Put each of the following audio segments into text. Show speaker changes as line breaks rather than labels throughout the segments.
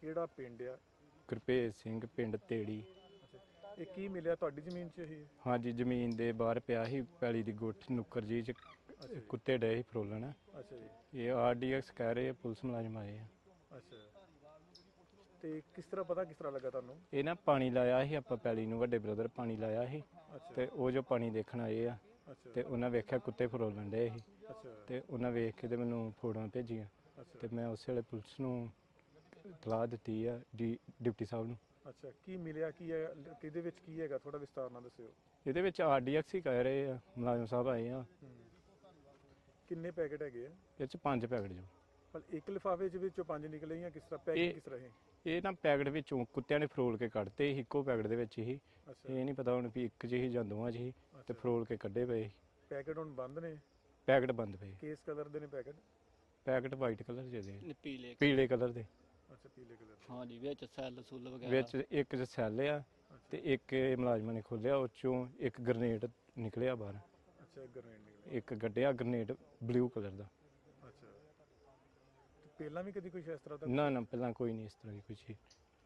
ਕਿਹੜਾ ਪਿੰਡ ਆ?
ਗੁਰਭੇਜ ਸਿੰਘ ਪਿੰਡ ਤੇੜੀ।
ਇਹ ਕੀ ਮਿਲਿਆ ਤੁਹਾਡੀ ਜ਼ਮੀਨ 'ਚ ਇਹ?
ਹਾਂਜੀ ਜ਼ਮੀਨ ਦੇ ਬਾਹਰ ਪਿਆ ਸੀ ਪੈਲੀ ਦੀ ਗੁੱਠ ਨੁੱਕਰ ਜੀ ਚ ਕੁੱਤੇ ਡਏ ਸੀ ਫਰੋਲਣ।
ਅੱਛਾ ਜੀ।
ਇਹ RDX ਕਹਿ ਰਹੇ ਆ, ਪੁਲਿਸ ਮੁਲਾਜ਼ਮ ਆਏ ਆ।
ਅੱਛਾ ਤੇ ਕਿਸ ਤਰ੍ਹਾਂ ਲੱਗਾ ਤੁਹਾਨੂੰ?
ਇਹ ਨਾ ਪਾਣੀ ਲਾਇਆ ਸੀ ਆਪਾਂ ਪੈਲੀ ਨੂੰ, ਵੱਡੇ ਬ੍ਰਦਰ ਪਾਣੀ ਲਾਇਆ ਸੀ
ਅੱਛਾ
ਤੇ ਉਹ ਜੋ ਪਾਣੀ ਦੇਖਣ ਆਏ ਆ
ਅੱਛਾ
ਤੇ ਉਹਨਾਂ ਵੇਖਿਆ ਕੁੱਤੇ ਫਰੋਲਣ ਡਏ ਸੀ
ਅੱਛਾ
ਤੇ ਉਹਨਾਂ ਵੇਖ ਕੇ ਤੇ ਮੈਨੂੰ ਫੋਟੋਆਂ ਭੇਜੀਆਂ
ਅੱਛਾ
ਤੇ ਮੈਂ ਉਸੇ ਵੇਲੇ ਪੁਲਿਸ ਨੂੰ ਇਤਲਾਹ ਦਿੱਤੀ ਆ ਡਿਪਟੀ ਸਾਹਿਬ ਨੂੰ।
ਅੱਛਾ ਕੀ ਮਿਲਿਆ, ਕੀ ਹੈ, ਕਿਹਦੇ ਵਿੱਚ ਕੀ ਹੈਗਾ, ਥੋੜਾ ਵਿਸਤਾਰ ਨਾਲ ਦੱਸਿਓ।
ਇਹਦੇ ਵਿੱਚ RDX ਹੀ ਕਹਿ ਰਹੇ ਆ, ਮੁਲਾਜ਼ਮ ਸਾਹਿਬ ਆਏ ਆ।
ਕਿੰਨੇ ਪੈਕੇਟ ਹੈਗੇ ਆ?
ਇਹ ਚ 5 ਪੈਕਟ ਜੋ।
ਪਰ ਇੱਕ ਲਿਫਾਫੇ ਚ ਵਿੱਚੋਂ 5 ਨਿਕਲੇ ਜਾਂ ਕਿਸ ਤਰ੍ਹਾਂ ਪੈਕੇਟ ਕਿਸ ਤਰ੍ਹਾਂ ਹੈ?
ਇਹ ਨਾ ਪੈਕਟ ਵਿੱਚੋਂ ਕੁੱਤਿਆਂ ਨੇ ਫਰੋਲ ਕੇ ਕੱਢਤੇ ਸੀ, ਇੱਕੋ ਪੈਕਟ ਦੇ ਵਿੱਚ ਹੀ।
ਅੱਛਾ
ਇਹ ਨਹੀਂ ਪਤਾ ਹੁਣ ਵੀ ਇੱਕ 'ਚ ਹੀ ਜਾਂ ਦੋਵਾਂ 'ਚ ਹੀ ਤੇ ਫਰੋਲ ਕੇ ਕੱਢੇ ਪਏ ਸੀ।
ਪੈਕੇਟ ਹੁਣ ਬੰਦ ਨੇ?
ਪੈਕਟ ਬੰਦ ਪਏ।
ਕਿਸ ਕਲਰ ਦੇ ਨੇ ਪੈਕੇਟ?
ਪੈਕਟ ਵਾਈਟ ਕਲਰ ਦੇ,
ਪੀਲੇ
ਕਲਰ ਦੇ।
ਅੱਛਾ ਪੀਲੇ ਕਲਰ ਦੇ।
ਹਾਂਜੀ, ਵਿੱਚ ਸੈੱਲ ਸੁੱਲ ਵਗੈਰਾ
ਵਿੱਚ ਇੱਕ 'ਚ ਸੈੱਲ ਆ ਤੇ ਇੱਕ ਮੁਲਾਜ਼ਮਾਂ ਨੇ ਖੋਲਿਆ, ਉਹ 'ਚੋਂ ਇੱਕ ਗ੍ਰਨੇਡ ਨਿਕਲਿਆ ਬਾਹਰ।
ਅੱਛਾ ਇੱਕ ਗ੍ਰਨੇਡ ਨਿਕਲਿਆ।
ਇੱਕ ਗੱਡਿਆ ਗ੍ਰਨੇਡ ਬਲੂ ਕਲਰ ਦਾ।
ਅੱਛਾ ਤੇ ਪਹਿਲਾਂ ਵੀ ਕਦੀ ਕੁਝ ਇਸ ਤਰ੍ਹਾਂ ਦਾ?
ਨਾ ਪਹਿਲਾਂ ਕੋਈ ਨਹੀਂ ਇਸ ਤਰ੍ਹਾਂ ਦੀ ਕੋਈ ਚੀਜ਼।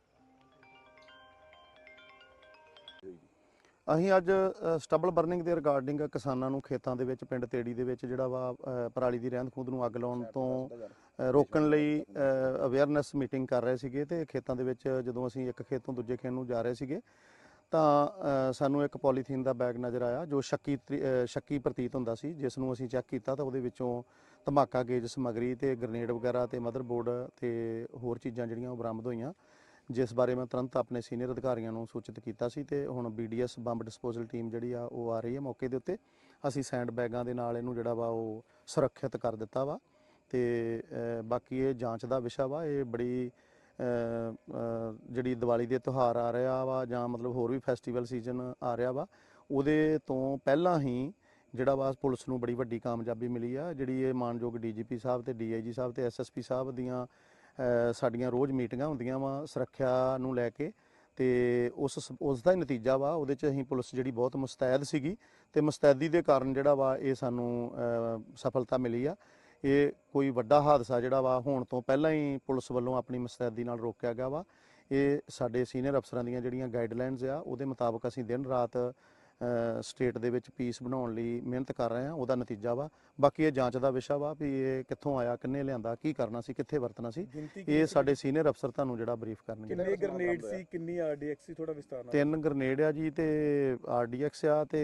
ਅਸੀਂ ਅੱਜ ਸਟਬਲ ਬਰਨਿੰਗ ਦੇ ਰਿਗਾਰਡਿੰਗ ਕਿਸਾਨਾਂ ਨੂੰ ਖੇਤਾਂ ਦੇ ਵਿੱਚ ਪਿੰਡ ਤੇੜੀ ਦੇ ਵਿੱਚ ਜਿਹੜਾ ਵਾ ਪਰਾਲੀ ਦੀ ਰਹਿੰਦ ਖੂੰਹਦ ਨੂੰ ਅੱਗ ਲਾਉਣ ਤੋਂ ਰੋਕਣ ਲਈ ਅਵੇਅਰਨੈਸ ਮੀਟਿੰਗ ਕਰ ਰਹੇ ਸੀਗੇ ਤੇ ਖੇਤਾਂ ਦੇ ਵਿੱਚ ਜਦੋਂ ਅਸੀਂ ਇੱਕ ਖੇਤ ਤੋਂ ਦੂਜੇ ਖੇਤ ਨੂੰ ਜਾ ਰਹੇ ਸੀਗੇ ਤਾਂ ਸਾਨੂੰ ਇੱਕ ਪੋਲੀਥੀਨ ਦਾ ਬੈਗ ਨਜ਼ਰ ਆਇਆ ਜੋ ਸ਼ੱਕੀ ਪ੍ਰਤੀਤ ਹੁੰਦਾ ਸੀ, ਜਿਸ ਨੂੰ ਅਸੀਂ ਚੈੱਕ ਕੀਤਾ ਤਾਂ ਉਹਦੇ ਵਿੱਚੋਂ ਧਮਾਕਾ ਗੇਜ ਸਮੱਗਰੀ ਤੇ ਗ੍ਰਨੇਡ ਵਗੈਰਾ ਤੇ ਮਦਰਬੋਰਡ ਤੇ ਹੋਰ ਚੀਜ਼ਾਂ ਜਿਹੜੀਆਂ ਉਹ ਬਰਾਮਦ ਹੋਈਆਂ, ਜਿਸ ਬਾਰੇ ਮੈਂ ਤੁਰੰਤ ਆਪਣੇ ਸੀਨੀਅਰ ਅਧਿਕਾਰੀਆਂ ਨੂੰ ਸੂਚਿਤ ਕੀਤਾ ਸੀ ਤੇ ਹੁਣ BDS ਬੰਬ ਡਿਸਪੋਜ਼ਲ ਟੀਮ ਜਿਹੜੀ ਆ ਉਹ ਆ ਰਹੀ ਹੈ ਮੌਕੇ ਦੇ ਉੱਤੇ। ਅਸੀਂ ਸੈਂਡ ਬੈਗਾਂ ਦੇ ਨਾਲ ਇਹਨੂੰ ਜਿਹੜਾ ਵਾ ਉਹ ਸੁਰੱਖਿਅਤ ਕਰ ਦਿੱਤਾ ਵਾ ਤੇ ਬਾਕੀ ਇਹ ਜਾਂਚ ਦਾ ਵਿਸ਼ਾ ਵਾ। ਇਹ ਬੜੀ ਜਿਹੜੀ ਦੀਵਾਲੀ ਦੇ ਤਿਉਹਾਰ ਆ ਰਿਹਾ ਵਾ ਜਾਂ ਮਤਲਬ ਹੋਰ ਵੀ ਫੈਸਟੀਵਲ ਸੀਜ਼ਨ ਆ ਰਿਹਾ ਵਾ, ਉਹਦੇ ਤੋਂ ਪਹਿਲਾਂ ਹੀ ਜਿਹੜਾ ਵਾ ਪੁਲਿਸ ਨੂੰ ਬੜੀ ਵੱਡੀ ਕਾਮਯਾਬੀ ਮਿਲੀ ਆ। ਜਿਹੜੀ ਇਹ ਮਾਨਯੋਗ DGP ਸਾਹਿਬ ਤੇ DIG ਸਾਹਿਬ ਤੇ SSP ਸਾਹਿਬ ਦੀਆਂ ਸਾਡੀਆਂ ਰੋਜ਼ ਮੀਟਿੰਗਾਂ ਹੁੰਦੀਆਂ ਵਾ ਸੁਰੱਖਿਆ ਨੂੰ ਲੈ ਕੇ ਤੇ ਉਸ ਦਾ ਹੀ ਨਤੀਜਾ ਵਾ। ਉਹਦੇ 'ਚ ਅਸੀਂ ਪੁਲਿਸ ਜਿਹੜੀ ਬਹੁਤ ਮੁਸਤੈਦ ਸੀਗੀ ਤੇ ਮੁਸਤੈਦੀ ਦੇ ਕਾਰਨ ਜਿਹੜਾ ਵਾ ਇਹ ਸਾਨੂੰ ਸਫਲਤਾ ਮਿਲੀ ਆ। ਇਹ ਕੋਈ ਵੱਡਾ ਹਾਦਸਾ ਜਿਹੜਾ ਵਾ ਹੋਣ ਤੋਂ ਪਹਿਲਾਂ ਹੀ ਪੁਲਿਸ ਵੱਲੋਂ ਆਪਣੀ ਮੁਸਤੈਦੀ ਨਾਲ ਰੋਕਿਆ ਗਿਆ ਵਾ। ਇਹ ਸਾਡੇ ਸੀਨੀਅਰ ਅਫਸਰਾਂ ਦੀਆਂ ਜਿਹੜੀਆਂ ਗਾਈਡਲਾਈਨਸ ਆ ਉਹਦੇ ਮੁਤਾਬਕ ਅਸੀਂ ਦਿਨ ਰਾਤ ਸਟੇਟ ਦੇ ਵਿੱਚ ਪੀਸ ਬਣਾਉਣ ਲਈ ਮਿਹਨਤ ਕਰ ਰਹੇ ਹਾਂ, ਉਹਦਾ ਨਤੀਜਾ ਵਾ। ਬਾਕੀ ਇਹ ਜਾਂਚ ਦਾ ਵਿਸ਼ਾ ਵਾ ਵੀ ਇਹ ਕਿੱਥੋਂ ਆਇਆ, ਕਿੰਨੇ ਲਿਆਂਦਾ, ਕੀ ਕਰਨਾ ਸੀ, ਕਿੱਥੇ ਵਰਤਣਾ ਸੀ, ਇਹ ਸਾਡੇ ਸੀਨੀਅਰ ਅਫਸਰ ਤੁਹਾਨੂੰ ਜਿਹੜਾ ਬਰੀਫ ਕਰਨਗੇ।
ਕਿੰਨੇ ਗ੍ਰਨੇਡ ਸੀ, ਕਿੰਨੀ RDX ਸੀ, ਥੋੜਾ ਵਿਸਤਾਰ ਨਾਲ?
3 ਗ੍ਰਨੇਡ ਆ ਜੀ ਤੇ RDX ਆ ਤੇ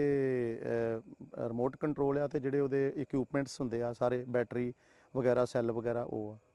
ਰਿਮੋਟ ਕੰਟਰੋਲ ਆ ਤੇ ਜਿਹੜੇ ਉਹਦੇ ਇਕਵਿਪਮੈਂਟਸ ਹੁੰਦੇ ਆ ਸਾਰੇ ਬੈਟਰੀ ਵਗੈਰਾ ਸੈੱਲ ਵਗੈਰਾ ਉਹ ਆ।